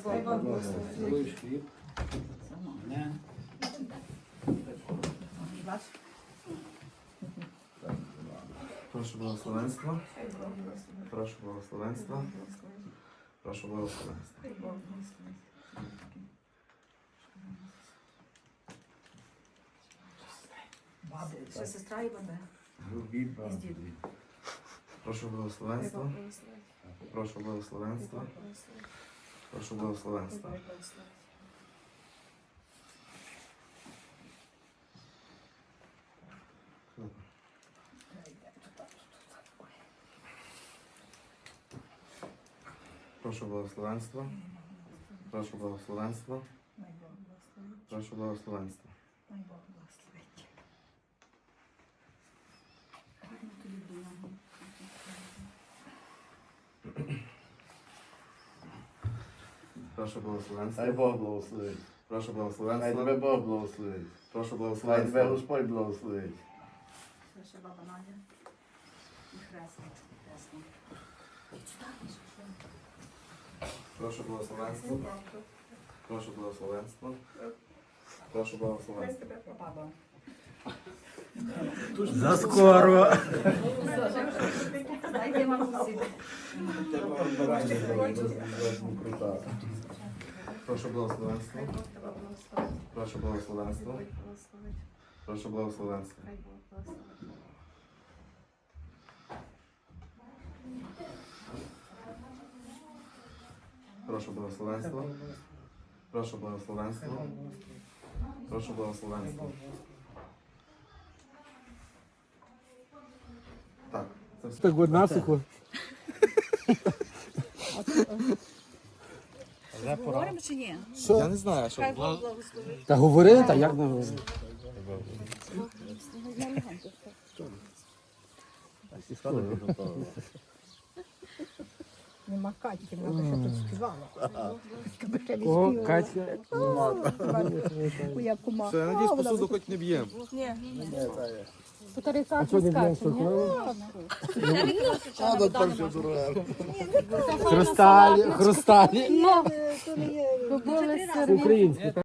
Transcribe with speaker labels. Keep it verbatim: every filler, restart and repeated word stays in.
Speaker 1: Цілуєш хліб. Не.
Speaker 2: Прошу благословенства. Прошу благословенства. Прошу благословенства.
Speaker 3: Ще сестра і баба.
Speaker 1: Грубі
Speaker 3: І з дідом.
Speaker 2: Прошу благословенства. Прошу благословенства. Прошу благословенства. Прошу благословенства. Прошу благословенства. Прошу благословенства. Прошу благословенства.
Speaker 4: Хай Бог благословить.
Speaker 2: Прошу
Speaker 4: Хай тебе
Speaker 2: благословенства.
Speaker 4: Бог благословить.
Speaker 2: Прошу
Speaker 4: Хай тебе
Speaker 2: благословенства.
Speaker 4: Господь благословить.
Speaker 3: Це ще баба Надя. І хресник. Хресник.
Speaker 2: Прошу благословенства. Прошу благословенства. Прошу благословенства.
Speaker 3: Баба.
Speaker 5: Заскоро.
Speaker 3: Дайте мамусі.
Speaker 4: Крута.
Speaker 2: Прошу благословенства. Прошу благословенства. Прошу благословенства. Прошу благословенства. Прошу благословенства. Прошу благословенства. Так, це все.
Speaker 5: Так одна сухо.
Speaker 3: Говоримо чи ні?
Speaker 2: Я не знаю, що.
Speaker 3: Хай Бог благословить.
Speaker 5: Та говорили, та як не говорили?
Speaker 6: Нема Катьки, вона ще тут співала.
Speaker 5: О, Катя.
Speaker 6: Моя кума.
Speaker 2: Все, я надіюсь, посуду хоч не б'ємо.
Speaker 5: А що не знаєш, що
Speaker 4: А, до там все дороге.
Speaker 5: Хрусталі, хрусталі.
Speaker 6: То не є.
Speaker 5: Українські.